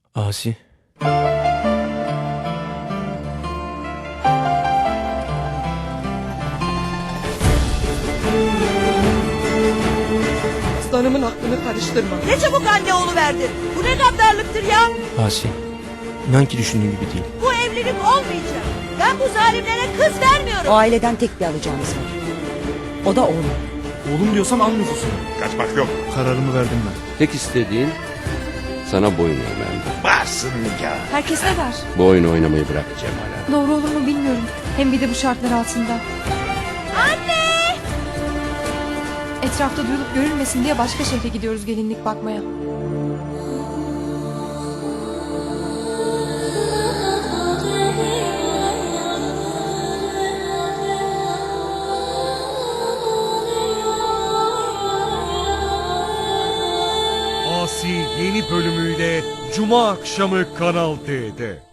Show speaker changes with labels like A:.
A: Asi.
B: Aslanımın aklını karıştırma.
C: Ne çabuk anne oluverdin. Bu ne gaddarlıktır ya.
A: Asi. İnan ki düşündüğün gibi değil.
C: Bu evlilik olmayacak. Ben bu zalimlere kız vermiyorum.
D: O aileden tek bir alacağımız var. O da oğlum.
E: Oğlum diyorsam al nüfusunu.
F: Kaçmak yok.
E: Kararımı verdim ben.
G: Tek istediğin sana boyun eğmem.
F: Varsın nikah.
H: Herkes ne der?
G: Bu oyunu oynamayı bırak Cemal.
H: Doğru olur mu bilmiyorum. Hem bir de bu şartlar altında.
C: Anne!
H: Etrafta duyulup görülmesin diye başka şehre gidiyoruz gelinlik bakmaya.
I: Asi yeni bölümüyle Cuma akşamı Kanal D'de.